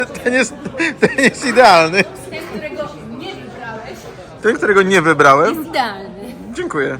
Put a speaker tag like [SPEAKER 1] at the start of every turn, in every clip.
[SPEAKER 1] Ten jest idealny.
[SPEAKER 2] Ten, którego nie wybrałeś,
[SPEAKER 1] Ten, którego nie wybrałem.
[SPEAKER 2] jest idealny.
[SPEAKER 1] Dziękuję.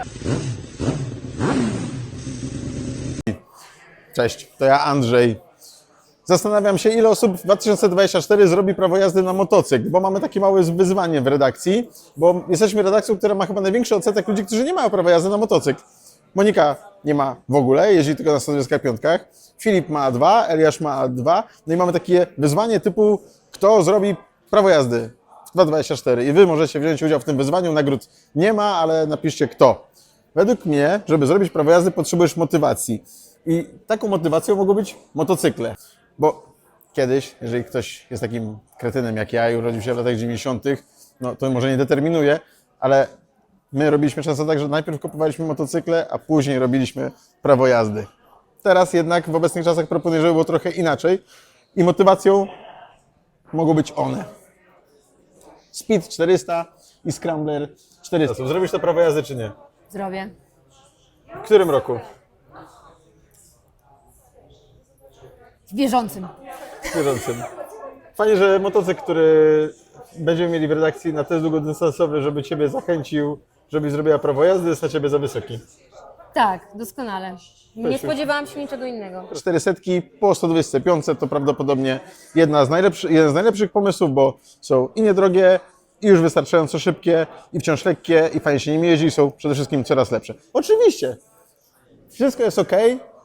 [SPEAKER 1] Cześć, to ja Andrzej. Zastanawiam się, ile osób w 2024 zrobi prawo jazdy na motocykl, bo mamy takie małe wyzwanie w redakcji, bo jesteśmy redakcją, która ma chyba największy odsetek ludzi, którzy nie mają prawa jazdy na motocykl. Monika nie ma w ogóle, jeździ tylko na 125. Filip ma 2, Eliasz ma 2. No i mamy takie wyzwanie typu, kto zrobi prawo jazdy w 2024. I wy możecie wziąć udział w tym wyzwaniu. Nagród nie ma, ale napiszcie kto. Według mnie, żeby zrobić prawo jazdy, potrzebujesz motywacji. I taką motywacją mogą być motocykle. Bo kiedyś, jeżeli ktoś jest takim kretynem jak ja i urodził się w latach 90., no to może nie determinuje, ale my robiliśmy często tak, że najpierw kupowaliśmy motocykle, a później robiliśmy prawo jazdy. Teraz jednak w obecnych czasach proponuję, żeby było trochę inaczej i motywacją mogą być one. Speed 400 i Scrambler 400. Zrobisz to prawo jazdy czy nie?
[SPEAKER 2] Zrobię.
[SPEAKER 1] W którym roku?
[SPEAKER 2] W bieżącym.
[SPEAKER 1] Bieżącym. Fajnie, że motocykl, który będziemy mieli w redakcji na test długodystansowy, żeby Ciebie zachęcił, żebyś zrobiła prawo jazdy, jest na Ciebie za wysoki.
[SPEAKER 2] Tak, doskonale. Nie spodziewałam się niczego innego.
[SPEAKER 1] 400 po 125 to prawdopodobnie jeden z najlepszych pomysłów, bo są i niedrogie, i już wystarczająco szybkie, i wciąż lekkie, i fajnie się nimi jeździ, i są przede wszystkim coraz lepsze. Oczywiście, wszystko jest ok.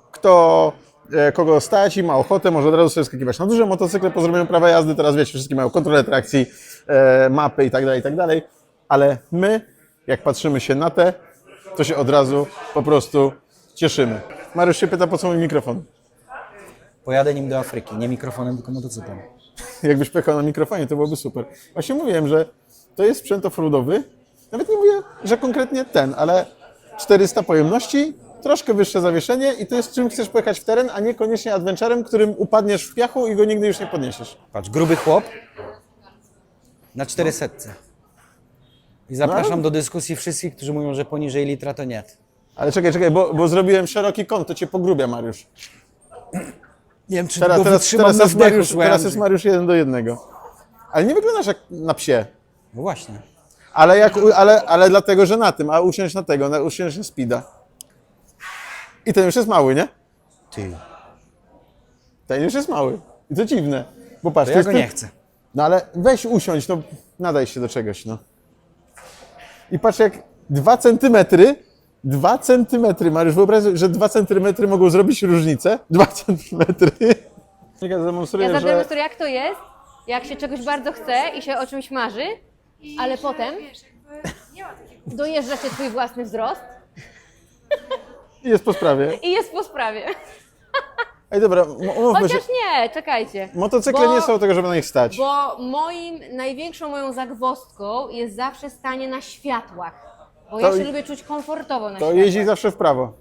[SPEAKER 1] Kogo stać i ma ochotę, może od razu sobie skakiwać na duże motocykle po zrobieniu prawa jazdy. Teraz wiecie, wszystkie mają kontrolę trakcji, mapy i tak dalej. Ale my, jak patrzymy się na te, to się od razu po prostu cieszymy. Mariusz się pyta, po co mój mikrofon?
[SPEAKER 3] Pojadę nim do Afryki, nie mikrofonem, tylko motocyklem.
[SPEAKER 1] Jakbyś pojechał na mikrofonie, to byłoby super. Właśnie mówiłem, że to jest sprzęt offroadowy. Nawet nie mówię, że konkretnie ten, ale 400 pojemności, troszkę wyższe zawieszenie i to jest czym chcesz pojechać w teren, a niekoniecznie adventurem, którym upadniesz w piachu i go nigdy już nie podniesiesz.
[SPEAKER 3] Patrz, gruby chłop na 400. I zapraszam do dyskusji wszystkich, którzy mówią, że poniżej litra to nie.
[SPEAKER 1] Ale czekaj, bo zrobiłem szeroki kąt, to cię pogrubia, Mariusz.
[SPEAKER 3] Nie wiem, czy go wytrzymam na wdechu, słuchaj,
[SPEAKER 1] teraz jest Mariusz 1:1. Ale nie wyglądasz jak na psie.
[SPEAKER 3] No właśnie.
[SPEAKER 1] Ale dlatego, że na tym, a usiąść na tego, usiąść na speeda. I ten już jest mały, nie?
[SPEAKER 3] Ty.
[SPEAKER 1] Ten już jest mały. I to dziwne. Bo patrz,
[SPEAKER 3] To ja go nie chcę.
[SPEAKER 1] No ale weź usiądź, no nadaj się do czegoś, no. I patrz jak 2 centymetry, Mariusz, wyobraź sobie, że 2 centymetry mogą zrobić różnicę. 2 centymetry. Ja
[SPEAKER 2] Zademonstruję, jak to jest, jak się czegoś bardzo chce i się o czymś marzy, ale potem dojeżdża się twój własny wzrost
[SPEAKER 1] Jest po sprawie.
[SPEAKER 2] i jest po sprawie.
[SPEAKER 1] Ej, dobra, umówmy się.
[SPEAKER 2] Chociaż nie, czekajcie.
[SPEAKER 1] Motocykle nie są do tego, żeby na nich stać.
[SPEAKER 2] Bo największą moją zagwozdką jest zawsze stanie na światłach. Bo ja się lubię czuć komfortowo na
[SPEAKER 1] To
[SPEAKER 2] światłach.
[SPEAKER 1] jeździ zawsze w prawo.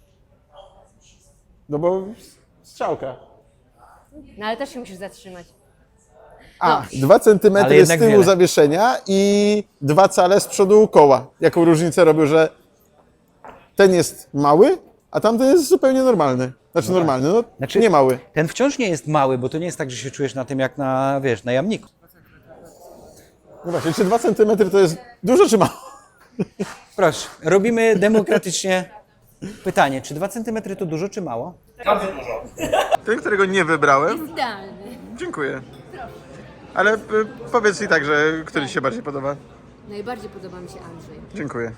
[SPEAKER 1] No bo strzałka.
[SPEAKER 2] No ale też się musisz zatrzymać.
[SPEAKER 1] A,
[SPEAKER 2] No.
[SPEAKER 1] 2 centymetry
[SPEAKER 3] Ale
[SPEAKER 1] z
[SPEAKER 3] jednak
[SPEAKER 1] tyłu
[SPEAKER 3] wiele.
[SPEAKER 1] zawieszenia i 2 cale z przodu koła. Jaką różnicę robił, że ten jest mały, a tamten jest zupełnie normalny. Znaczy normalny, no
[SPEAKER 3] Znaczy-
[SPEAKER 1] nie mały.
[SPEAKER 3] Ten wciąż nie jest mały, bo to nie jest tak, że się czujesz na tym jak na, wiesz, na jamniku.
[SPEAKER 1] No właśnie, czy 2 centymetry to jest dużo czy mało?
[SPEAKER 3] Proszę, robimy demokratycznie pytanie, czy 2 cm to dużo, czy mało?
[SPEAKER 1] Ten, którego nie wybrałem,
[SPEAKER 2] Idealny.
[SPEAKER 1] dziękuję. Ale powiedz i tak, że który Ci się bardziej podoba.
[SPEAKER 2] Najbardziej podoba mi się Andrzej.
[SPEAKER 1] Dziękuję.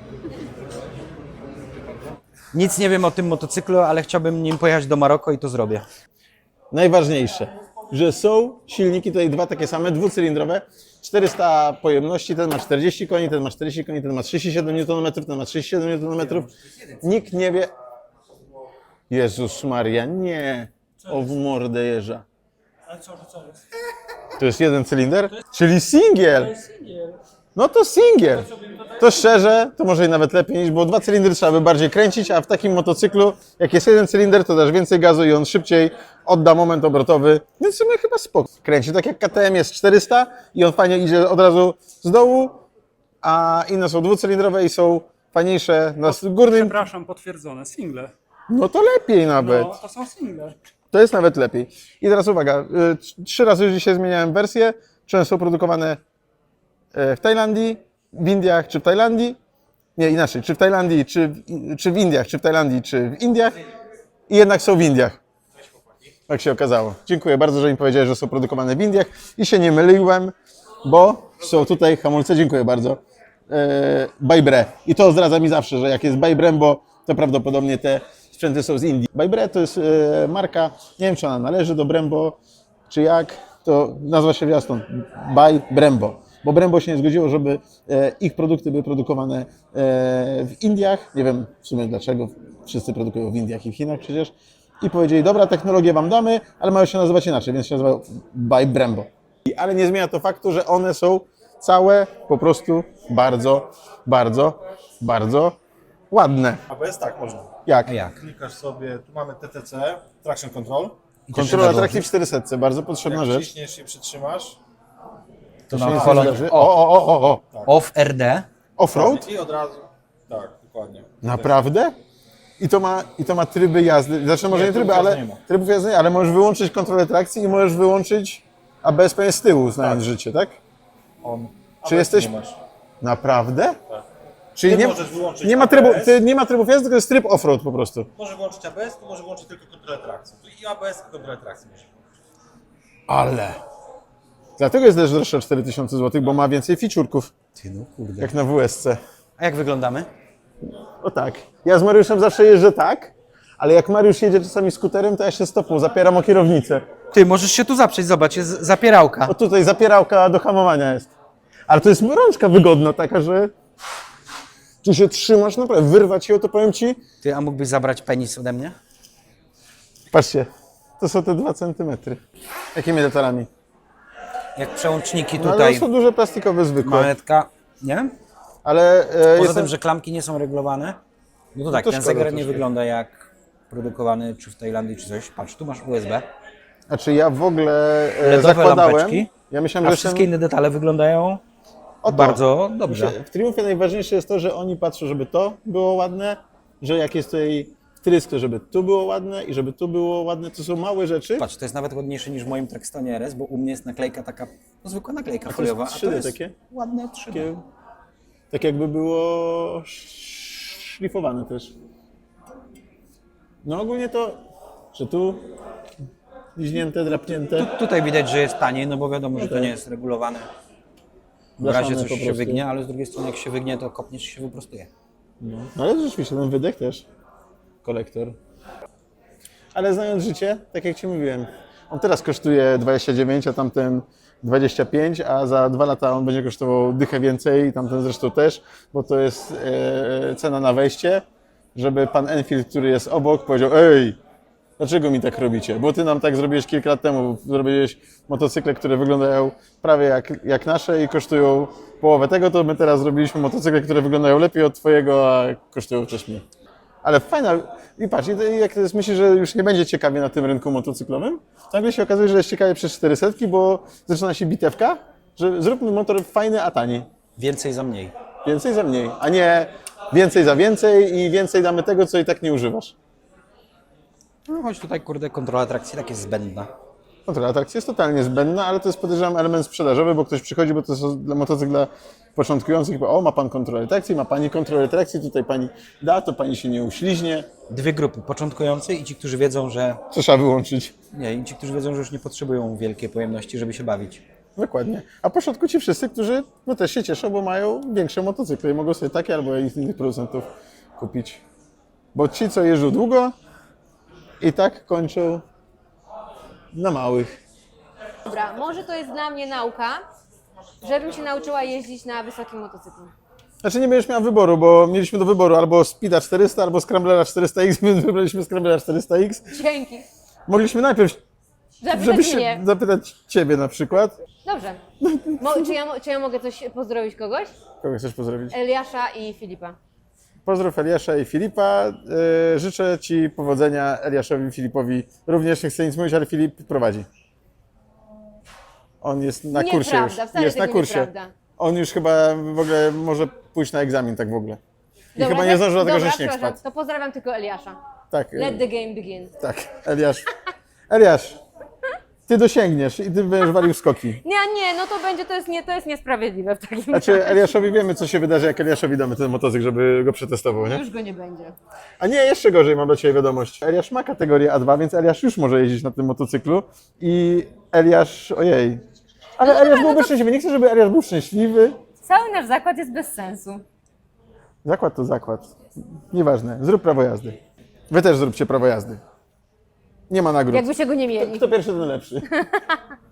[SPEAKER 3] Nic nie wiem o tym motocyklu, ale chciałbym nim pojechać do Maroko i to zrobię.
[SPEAKER 1] Najważniejsze, że są silniki tutaj dwa takie same, dwucylindrowe, 400 pojemności, ten ma 40 koni, ten ma 40 koni, ten ma 37 Nm, ten ma 37 Nm. Nikt nie wie... Jezus Maria, nie! O w mordę jeża. To jest jeden cylinder? Czyli singiel! No to singiel. To szczerze, to może i nawet lepiej niż, bo 2 cylindry trzeba by bardziej kręcić, a w takim motocyklu, jak jest jeden cylinder, to dasz więcej gazu i on szybciej odda moment obrotowy. Więc w sumie chyba spoko. Kręci tak jak KTM jest 400 i on fajnie idzie od razu z dołu, a inne są dwucylindrowe i są fajniejsze na górnym.
[SPEAKER 4] Przepraszam, potwierdzone. Single.
[SPEAKER 1] No to lepiej nawet.
[SPEAKER 4] No, to są single.
[SPEAKER 1] To jest nawet lepiej. I teraz uwaga, 3 razy już dzisiaj zmieniałem wersję. Często są produkowane w Tajlandii, w Indiach czy w Tajlandii. Nie, inaczej, czy w Tajlandii, czy w Indiach, czy w Tajlandii, czy w Indiach. I jednak są w Indiach. Tak się okazało. Dziękuję bardzo, że mi powiedziałeś, że są produkowane w Indiach. I się nie myliłem, bo są tutaj hamulce, dziękuję bardzo, by Bre. I to zdradza mi zawsze, że jak jest by Brembo, to prawdopodobnie te sprzęty są z Indii. By Bre to jest marka, nie wiem czy ona należy do Brembo, czy jak, to nazywa się zwiastun by Brembo. Bo Brembo się nie zgodziło, żeby ich produkty były produkowane w Indiach. Nie wiem w sumie dlaczego, wszyscy produkują w Indiach i w Chinach przecież. I powiedzieli, dobra, technologię wam damy, ale mają się nazywać inaczej, więc się nazywają by Brembo. Ale nie zmienia to faktu, że one są całe po prostu bardzo, bardzo, bardzo ładne.
[SPEAKER 4] ABS tak można.
[SPEAKER 1] Jak?
[SPEAKER 3] A jak?
[SPEAKER 4] Klikasz sobie, tu mamy TTC, Traction Control.
[SPEAKER 1] Kontrola trakcji w 400, bardzo potrzebna
[SPEAKER 4] Jak
[SPEAKER 1] rzecz.
[SPEAKER 4] wciśniesz i przytrzymasz
[SPEAKER 3] To
[SPEAKER 1] Się
[SPEAKER 3] na
[SPEAKER 1] nie
[SPEAKER 3] kolor
[SPEAKER 1] zdarzy. O.
[SPEAKER 3] off RD.
[SPEAKER 1] Offroad?
[SPEAKER 4] i od razu, tak, dokładnie.
[SPEAKER 1] Naprawdę? I to ma tryby jazdy, znaczy może
[SPEAKER 4] Nie,
[SPEAKER 1] nie tryby,
[SPEAKER 4] trybów
[SPEAKER 1] ale
[SPEAKER 4] jazdy nie ma.
[SPEAKER 1] trybów jazdy nie, ale możesz wyłączyć kontrolę trakcji i możesz wyłączyć ABS pewnie z tyłu, znając życie, tak?
[SPEAKER 4] On.
[SPEAKER 1] Czy jesteś-
[SPEAKER 4] Nie masz.
[SPEAKER 1] Naprawdę?
[SPEAKER 4] Tak.
[SPEAKER 1] Czyli
[SPEAKER 4] Ty
[SPEAKER 1] nie,
[SPEAKER 4] możesz wyłączyć
[SPEAKER 1] nie ma
[SPEAKER 4] ABS.
[SPEAKER 1] nie ma trybów jazdy, tylko jest tryb offroad po prostu.
[SPEAKER 4] Może wyłączyć ABS, tu może wyłączyć tylko kontrolę trakcji. Tu i ABS, i kontrolę trakcji może włączyć.
[SPEAKER 1] Ale. Dlatego jest też droższa 4000 zł, bo ma więcej featureków,
[SPEAKER 3] Ty no kurde.
[SPEAKER 1] jak na WSC.
[SPEAKER 3] A jak wyglądamy?
[SPEAKER 1] O tak. Ja z Mariuszem zawsze jeżdżę tak, ale jak Mariusz jedzie czasami skuterem, to ja się stopą zapieram o kierownicę.
[SPEAKER 3] Ty, możesz się tu zaprzeć, zobacz, jest zapierałka.
[SPEAKER 1] O tutaj zapierałka do hamowania jest. Ale to jest rączka wygodna taka, że tu się trzymasz, naprawdę wyrwać ją, to powiem ci.
[SPEAKER 3] Ty, a mógłbyś zabrać penis ode mnie?
[SPEAKER 1] Patrzcie, to są te 2 cm. Jakimi detalami?
[SPEAKER 3] Jak przełączniki
[SPEAKER 1] No, ale
[SPEAKER 3] tutaj,
[SPEAKER 1] to są duże plastikowe, zwykłe.
[SPEAKER 3] manetka, nie?
[SPEAKER 1] Ale
[SPEAKER 3] Poza
[SPEAKER 1] jestem...
[SPEAKER 3] tym, że klamki nie są regulowane, no to tak,
[SPEAKER 1] to
[SPEAKER 3] ten
[SPEAKER 1] szkoda
[SPEAKER 3] zegar nie
[SPEAKER 1] troszkę.
[SPEAKER 3] wygląda jak produkowany czy w Tajlandii, czy coś. Patrz, tu masz USB,
[SPEAKER 1] Znaczy ja w ogóle
[SPEAKER 3] LEDowe
[SPEAKER 1] zakładałem,
[SPEAKER 3] lampeczki,
[SPEAKER 1] ja myślałem,
[SPEAKER 3] a
[SPEAKER 1] że
[SPEAKER 3] wszystkie inne detale wyglądają
[SPEAKER 1] Oto.
[SPEAKER 3] bardzo dobrze.
[SPEAKER 1] W Triumfie najważniejsze jest to, że oni patrzą, żeby to było ładne, że jak jest tutaj wtrysk, to żeby tu było ładne i żeby tu było ładne. To są małe rzeczy.
[SPEAKER 3] Patrz, to jest nawet ładniejsze niż w moim Traxtonie RS, bo u mnie jest naklejka taka, no zwykła naklejka
[SPEAKER 1] to jest
[SPEAKER 3] foliowa, a
[SPEAKER 1] 3D
[SPEAKER 3] to jest
[SPEAKER 1] takie?
[SPEAKER 3] ładne 3D.
[SPEAKER 1] Takie, tak jakby było szlifowane też. No ogólnie to, że tu liźnięte, drapnięte.
[SPEAKER 3] Tutaj widać, że jest taniej, no bo wiadomo, że to
[SPEAKER 1] Okej.
[SPEAKER 3] nie jest regulowane. W
[SPEAKER 1] Blaszane
[SPEAKER 3] razie
[SPEAKER 1] po
[SPEAKER 3] coś się
[SPEAKER 1] prostu.
[SPEAKER 3] wygnie, ale z drugiej strony jak się wygnie, to kopniesz i się wyprostuje.
[SPEAKER 1] No ale rzeczywiście, ten wydech też. Kolektor. Ale znając życie, tak jak Ci mówiłem, on teraz kosztuje 29, a tamten 25, a za 2 lata on będzie kosztował dychę więcej i tamten zresztą też, bo to jest cena na wejście, żeby pan Enfield, który jest obok, powiedział: ej, dlaczego mi tak robicie? Bo Ty nam tak zrobiłeś kilka lat temu, zrobiłeś motocykle, które wyglądają prawie jak nasze i kosztują połowę tego, to my teraz zrobiliśmy motocykle, które wyglądają lepiej od Twojego, a kosztują też mniej. Ale fajna, i patrz, i jak myślisz, że już nie będzie ciekawie na tym rynku motocyklowym, to nagle się okazuje, że jest ciekawie przez 400, bo zaczyna się bitewka, że zróbmy motor fajny, a tani.
[SPEAKER 3] Więcej za mniej.
[SPEAKER 1] Więcej za mniej, a nie więcej za więcej i więcej damy tego, co i tak nie używasz.
[SPEAKER 3] No choć tutaj, kurde, kontrola trakcji tak jest zbędna.
[SPEAKER 1] Kontrola atrakcji jest totalnie zbędna, ale to jest, podejrzewam, element sprzedażowy, bo ktoś przychodzi, bo to jest dla motocykl dla początkujących, bo o, ma pan kontrolę trakcji, ma pani kontrolę trakcji, tutaj pani da, to pani się nie uśliźnie,
[SPEAKER 3] Dwie grupy, początkujący i ci, którzy wiedzą, że
[SPEAKER 1] co trzeba wyłączyć.
[SPEAKER 3] nie, i ci, którzy wiedzą, że już nie potrzebują wielkiej pojemności, żeby się bawić.
[SPEAKER 1] Dokładnie. A po środku ci wszyscy, którzy no, też się cieszą, bo mają większe motocykle i mogą sobie takie albo z innych producentów kupić. Bo ci, co jeżdżą długo, i tak kończą na małych.
[SPEAKER 2] Dobra, może to jest dla mnie nauka, żebym się nauczyła jeździć na wysokim motocyklu.
[SPEAKER 1] Znaczy nie będziesz miała wyboru, bo mieliśmy do wyboru albo Speeda 400, albo Scramblera 400X, więc wybraliśmy Scramblera 400X.
[SPEAKER 2] Dzięki.
[SPEAKER 1] Mogliśmy najpierw,
[SPEAKER 2] Zapytać
[SPEAKER 1] żebyś się
[SPEAKER 2] mnie.
[SPEAKER 1] zapytać Ciebie na przykład.
[SPEAKER 2] Dobrze. Czy ja mogę coś pozdrowić kogoś?
[SPEAKER 1] Kogo chcesz pozdrowić?
[SPEAKER 2] Eliasza i Filipa.
[SPEAKER 1] Pozdrów Eliasza i Filipa. Życzę Ci powodzenia, Eliaszowi i Filipowi. Również nie chcę nic mówić, ale Filip prowadzi. On jest na kursie
[SPEAKER 2] Nieprawda,
[SPEAKER 1] już.
[SPEAKER 2] wcale
[SPEAKER 1] Jest na
[SPEAKER 2] tego
[SPEAKER 1] kursie.
[SPEAKER 2] nieprawda.
[SPEAKER 1] On już chyba w ogóle może pójść na egzamin tak w ogóle. I
[SPEAKER 2] Dobra,
[SPEAKER 1] chyba nie zdążył dlatego, że
[SPEAKER 2] dobra,
[SPEAKER 1] śnieg
[SPEAKER 2] przepraszam,
[SPEAKER 1] spadł.
[SPEAKER 2] to pozdrawiam tylko Eliasza.
[SPEAKER 1] Tak,
[SPEAKER 2] Let the game begin.
[SPEAKER 1] tak. Eliasz, Eliasz, ty dosięgniesz i ty będziesz walił skoki.
[SPEAKER 2] Nie, no to będzie, to jest niesprawiedliwe w takim
[SPEAKER 1] Znaczy, Eliaszowi wiemy, co się wydarzy, jak Eliaszowi damy ten motocykl, żeby go przetestował, nie?
[SPEAKER 2] Już go nie będzie.
[SPEAKER 1] A nie, jeszcze gorzej, mam dla Ciebie wiadomość. Eliasz ma kategorię A2, więc Eliasz już może jeździć na tym motocyklu i Eliasz, ojej. Ale Eliasz byłby szczęśliwy, nie chcę, żeby Eliasz był szczęśliwy.
[SPEAKER 2] Cały nasz zakład jest bez sensu.
[SPEAKER 1] Zakład to zakład. Nieważne, zrób prawo jazdy. Wy też zróbcie prawo jazdy. Nie ma nagród.
[SPEAKER 2] Jakby się go nie mieli.
[SPEAKER 1] Kto pierwszy, ten lepszy.